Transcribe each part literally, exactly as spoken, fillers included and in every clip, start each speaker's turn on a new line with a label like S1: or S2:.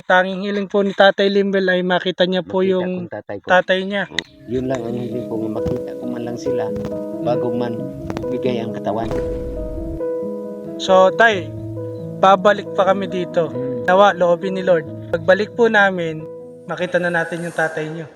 S1: tanging hiling po ni Tatay Limbel ay makita niya po
S2: Makita
S1: yung
S2: kong tatay ko.
S1: tatay niya.
S2: Yun lang ang hiling ko, makita ko man lang sila bago man bigay ang katawan.
S1: So tay, babalik pa kami dito. Nawa, loobin ni Lord. Pagbalik po namin, makita na natin yung tatay niyo.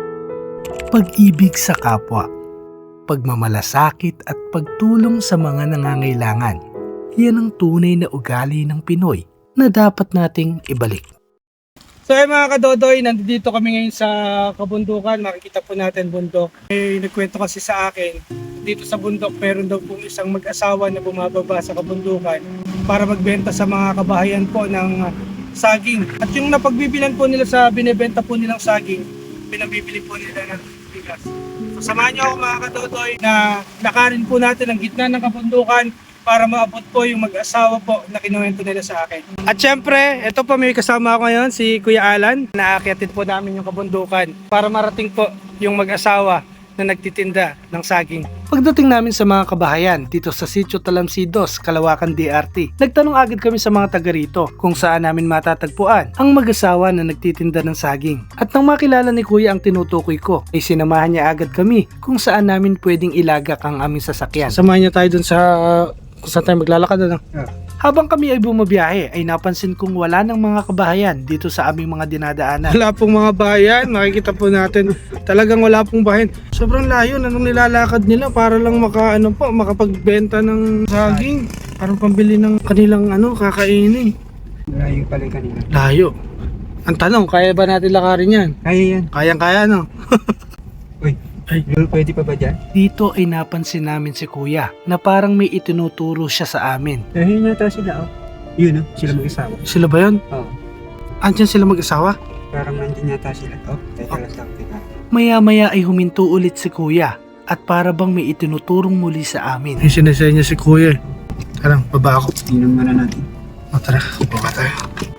S3: Pag-ibig sa kapwa, pagmamalasakit at pagtulong sa mga nangangailangan. Yan ang tunay na ugali ng Pinoy na dapat nating ibalik.
S1: So ay mga kadodoy, nandito kami ngayon sa kabundukan. Makikita po natin bundok. May nagkwento kasi sa akin, dito sa bundok meron daw po isang mag-asawa na bumababa sa kabundukan para magbenta sa mga kabahayan po ng saging. At yung napagbibilan po nila sa binebenta po nilang saging, pinabibili po nila ng bigas. So samahan niyo ako mga kadodoy na lakarin po natin ang gitna ng kabundukan para maabot po yung mag-asawa po na kinuwento nila sa akin. At syempre, ito po may kasama ako ngayon, si Kuya Alan. Naaakyatin po namin yung kabundukan para marating po yung mag-asawa na nagtitinda ng saging.
S3: Pagdating namin sa mga kabahayan dito sa Sitio Talamsidos, Kalawakan D R T, nagtanong agad kami sa mga taga rito kung saan namin matatagpuan ang mag-asawa na nagtitinda ng saging. At nang makilala ni Kuya ang tinutukoy ko, ay sinamahan niya agad kami kung saan namin pwedeng ilagak ang aming sasakyan.
S1: Samahan niya tayo dun sa kung saan tayo maglalakad. Ano?
S3: Yeah. Habang kami ay bumabiyahe, ay napansin kong wala ng mga kabahayan dito sa aming mga dinadaanan.
S1: Wala pong mga bayan, makikita po natin talagang wala pong bayan. Sobrang layo na nung nilalakad nila para lang maka, ano po, makapagbenta ng saging. Parang pambili ng kanilang ano, kakainin.
S4: Layo pala yung kanina.
S1: Layo. Ang tanong, kaya ba natin lakarin yan?
S4: Kaya yan.
S1: Kayang-kaya, no?
S4: Uy,
S1: Ay.
S4: Lul, pwede pa ba dyan?
S3: Dito ay napansin namin si Kuya na parang may itinuturo siya sa amin.
S4: Dahil nata sila, oh. Yun, oh. Sila mag-asawa.
S1: Sila ba yun?
S4: Oo. Oh.
S1: Andyan sila mag-asawa?
S4: Parang nandyan yata sila. Oh, teka lang sa akin.
S3: Maya-maya ay huminto ulit si Kuya at para bang may itinuturong muli sa amin.
S1: Yung sinasaya niya si Kuya. Tarang, baba ako.
S4: Tingnan muna natin.
S1: O tara, baba tayo.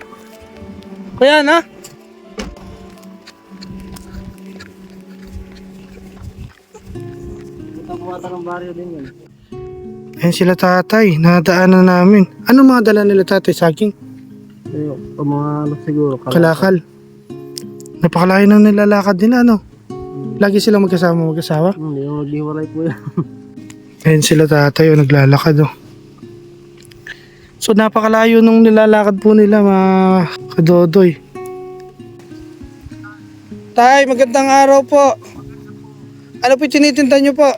S1: Kuya, na? Ayan sila tatay, nadaanan namin. Ano mga dala nila tatay? Saging?
S4: O mga ano siguro.
S1: Kalakal. Napakalayo na nilalakad nila, no? Lagi silang magkasama mag-asawa?
S4: Hindi mo maghiwalay po yan.
S1: Ayan sila tatay, o naglalakad, oh. So napakalayo nung nilalakad po nila, mga kadodoy. Tay, magandang araw po. Ano po tinitinda nyo po?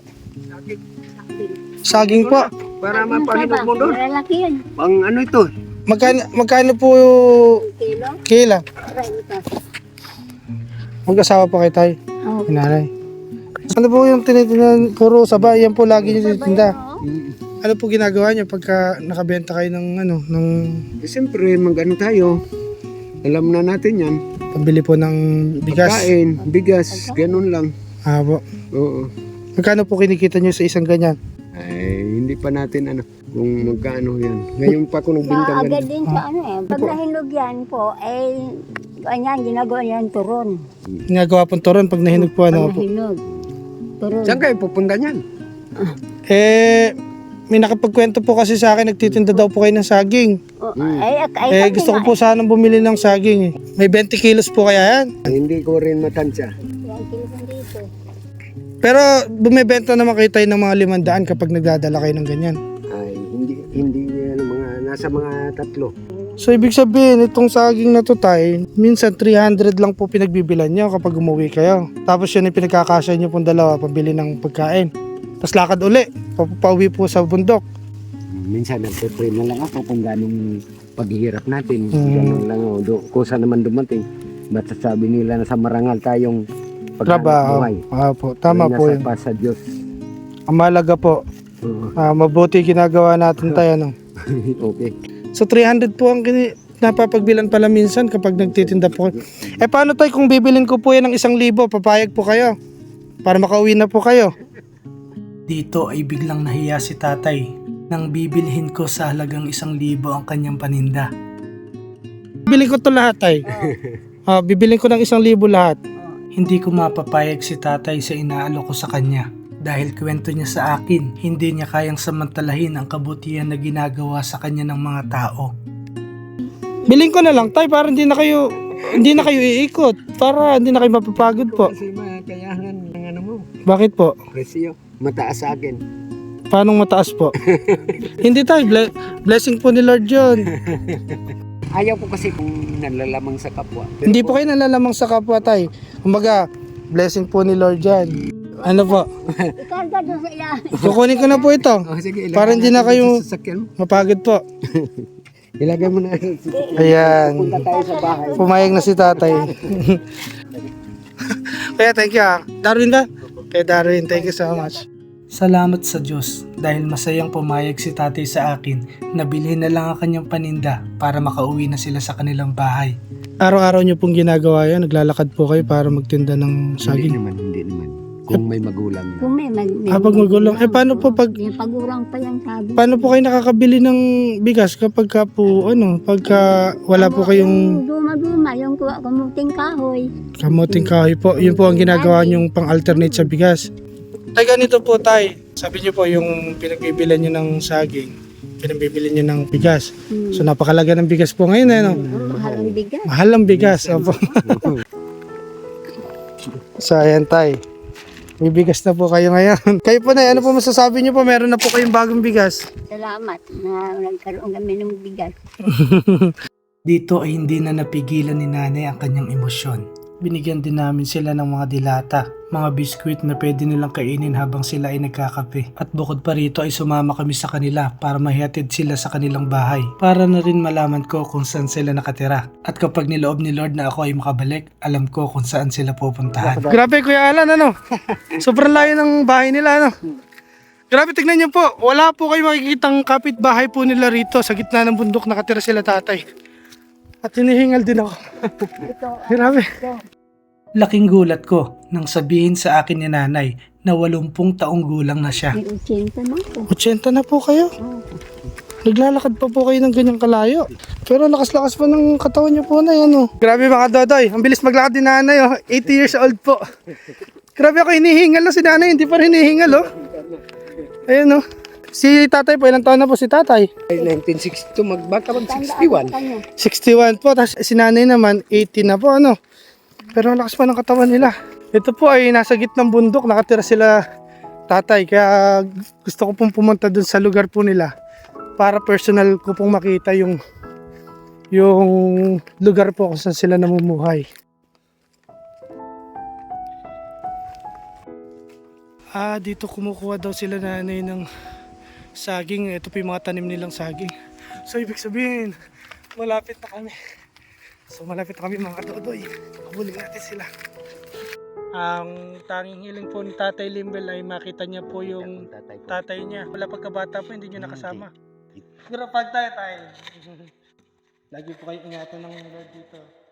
S1: Saging po.
S4: Para mapahinog mo doon.
S5: Malalaki yan.
S4: Pang ano ito?
S1: Magkano, magkano po
S5: Kilo?
S1: kila?
S5: Renta.
S1: Mag-asawa po kayo tayo,
S5: Oh.
S1: nanay. Ano po yung tinitinda? Puro sabay, yan po lagi nyo tinitinda. Ano po ginagawa nyo pagka nakabenta kayo ng ano, ng
S4: Eh, siyempre, mag-ano tayo. Alam na natin yan.
S1: pambili po ng bigas?
S4: Kain, bigas, ganun lang.
S1: Ah, po.
S4: Oo.
S1: Magkano po kinikita nyo sa isang ganyan?
S4: Ay, hindi pa natin ano, kung magkano yan. Ngayon pa ako nagbintang
S5: Maagad
S4: ganun.
S5: din sa ano eh. Pag nahinog yan po, eh, ganyan, ginagawa niyan turon.
S1: Ginagawa pong turon pag nahinog po,
S5: Pag
S1: ano po.
S5: nahinog. Turon.
S4: Saan kayo pupunta niyan?
S1: Eh, may nakapagkwento po kasi sa akin, nagtitinda daw po kayo ng saging.
S5: Oh,
S4: Mm.
S5: ay, ay,
S1: Eh,
S5: kami
S1: gusto ko
S5: nga
S1: po sanang bumili ng saging eh. May twenty kilos po kaya yan.
S4: Ay, hindi ko rin matansya.
S5: eh. Yan, kilisan dito.
S1: Pero bumibenta naman kayo tayo ng mga limandaan kapag nagdadala kayo ng ganyan.
S4: Ay, hindi, hindi yan mga, nasa mga tatlo.
S1: So ibig sabihin, itong saging na to tayo, minsan three hundred lang po pinagbibilan nyo kapag umuwi kayo. Tapos yun yung pinagkakasya nyo pong dalawa, pambili ng pagkain. Tapos lakad uli, papauwi po sa bundok.
S4: Minsan nagpe-pray na lang ako kung ganong paghihirap natin.
S1: Mm.
S4: Ganun lang ako. Do, kusa naman dumating. Ba't sasabi nila na sa marangal tayong
S1: Trabaho.
S4: pagkabuhay.
S1: Ah, po. Tama
S4: Ay,
S1: po
S4: nasa
S1: yun.
S4: pa sa Diyos.
S1: Ang mahalaga po,
S4: Oo.
S1: ah, mabuti ginagawa natin tayo. No?
S4: Okay.
S1: So three hundred po ang kini napapagbilan pala minsan kapag nagtitinda po kayo. Eh paano tayo kung bibilin ko po yan ng isang libo, papayag po kayo? Para makauwi na po kayo.
S3: Dito ay biglang nahiya si tatay nang bibilhin ko sa halagang isang libo ang kanyang paninda.
S1: Bibilin ko to lahat ay. Ah, bibilin ko ng isang libo lahat.
S3: Hindi ko mapapayag si tatay sa inaalok ko sa kanya. Dahil kwento niya sa akin, hindi niya kayang samantalahin ang kabutihan na ginagawa sa kanya ng mga tao.
S1: Bilhin ko na lang tay para hindi na kayo
S3: hindi na kayo iikot para hindi na kayo mapapagod po.
S4: Kasi makayahan ng ano mo,
S3: Bakit po?
S4: presyo. Mataas sa akin.
S3: Paano mataas po? Hindi tayo, ble- blessing po ni Lord yun.
S4: Ayaw ko kasi kung nalalamang sa kapwa. Pero
S3: Hindi po kayo nalalamang sa kapwa tay. Kumbaga, blessing po ni Lord yan. Ano po?
S5: Ikarga doon sa ilalim.
S3: Kukunin ko na po ito.
S4: Oh, sige, ilagay
S3: Para hindi na
S4: natin
S3: kayo-
S4: sa sasakyan mo.
S3: Mapagod po.
S4: Ilagay mo na sa sasakyan.
S3: Ayan.
S4: Punta tayo sa bahay.
S3: Pumayag na si tatay. Kaya thank you ah. Darwin ba? Kaya Darwin, thank you so much. Salamat sa Diyos dahil masayang pumayag si tatay sa akin na bilhin na lang ang kanyang paninda para makauwi na sila sa kanilang bahay. Araw-araw niyo pong ginagawa yan? Naglalakad po kayo para magtinda ng
S4: Hindi
S3: saging?
S4: naman, hindi naman. Kung may magulang na.
S5: Kung may mag... may
S3: Ah, pag magulang. Eh, paano po pag...
S5: Yung pagurang pa yan sabi.
S3: Paano po kayo nakakabili ng bigas kapag ka po, ano, pagka wala po kayong
S5: Yung duma-duma, yung kuha kumuting kahoy.
S3: kamuting kahoy po? Yun po ang ginagawa niyong pang-alternate sa bigas. Tay, ganito po tay. Sabi niyo po yung pinagbibilan niyo ng saging, pinagbibilan niyo ng bigas.
S5: Hmm.
S3: So napakalaga ng bigas po ngayon, eh, no?
S5: Mahal ang bigas.
S3: Mahal ang bigas. Opo. So ayan tay. May bigas na po kayo ngayon. Kayo po na, ano po masasabi niyo po? Meron na po kayong bagong bigas.
S5: Salamat na nagkaroon kami ng bigas.
S3: Dito ay hindi na napigilan ni nanay ang kanyang emosyon. Binigyan din namin sila ng mga dilata, mga biskwit na pwede nilang kainin habang sila ay nagkakape. At bukod pa rito ay sumama kami sa kanila para mahihatid sila sa kanilang bahay. Para na rin malaman ko kung saan sila nakatira. At kapag niloob ni Lord na ako ay makabalik, alam ko kung saan sila pupuntahan. Grabe Kuya Alan, ano? Sobrang layo ng bahay nila, ano? Grabe, tignan niyo po. Wala po kayo makikitang kapitbahay po nila rito. Sa gitna ng bundok nakatira sila tatay. At hinihingal din ako.
S5: Ito,
S3: Grabe.
S5: ito.
S3: Laking gulat ko nang sabihin sa akin ni nanay na walumpung taong gulang na siya.
S5: May utsinta na po.
S3: eighty na po kayo.
S5: Oh.
S3: Naglalakad pa po kayo ng ganyang kalayo. Pero lakas-lakas pa ng katawan niyo po na yan. Oh. Grabe mga dodoy. Ang bilis maglakad ni nanay. Oh. eighty years old po. Grabe ako hinihingal na si nanay. Hindi pa rin hinihingal. Oh. Ayun oh. Si tatay po, ilang taon na po si tatay?
S4: nineteen sixty-two, magbaka mag sixty-one.
S5: Kanya.
S3: sixty-one po. Tapos si nanay naman, eighty na po. Ano? Pero ang lakas pa ng katawan nila. Ito po ay nasa gitnang bundok. Nakatira sila tatay. Kaya gusto ko pong pumunta dun sa lugar po nila. Para personal ko pong makita yung yung lugar po kung saan sila namumuhay. Ah, dito kumukuha daw sila nanay ng saging. Ito po yung mga tanim nilang saging. So ibig sabihin, malapit na kami. So malapit na kami mga kadodoy. Habulin natin sila. Ang tanging hiling po ni Tatay Limbel ay makita niya po yung
S2: Tatay ko.
S3: tatay niya. Wala pagkabata po, hindi niyo nakasama. Pero pag tayo tayo. Lagi po kayo ingatan ng Lord dito.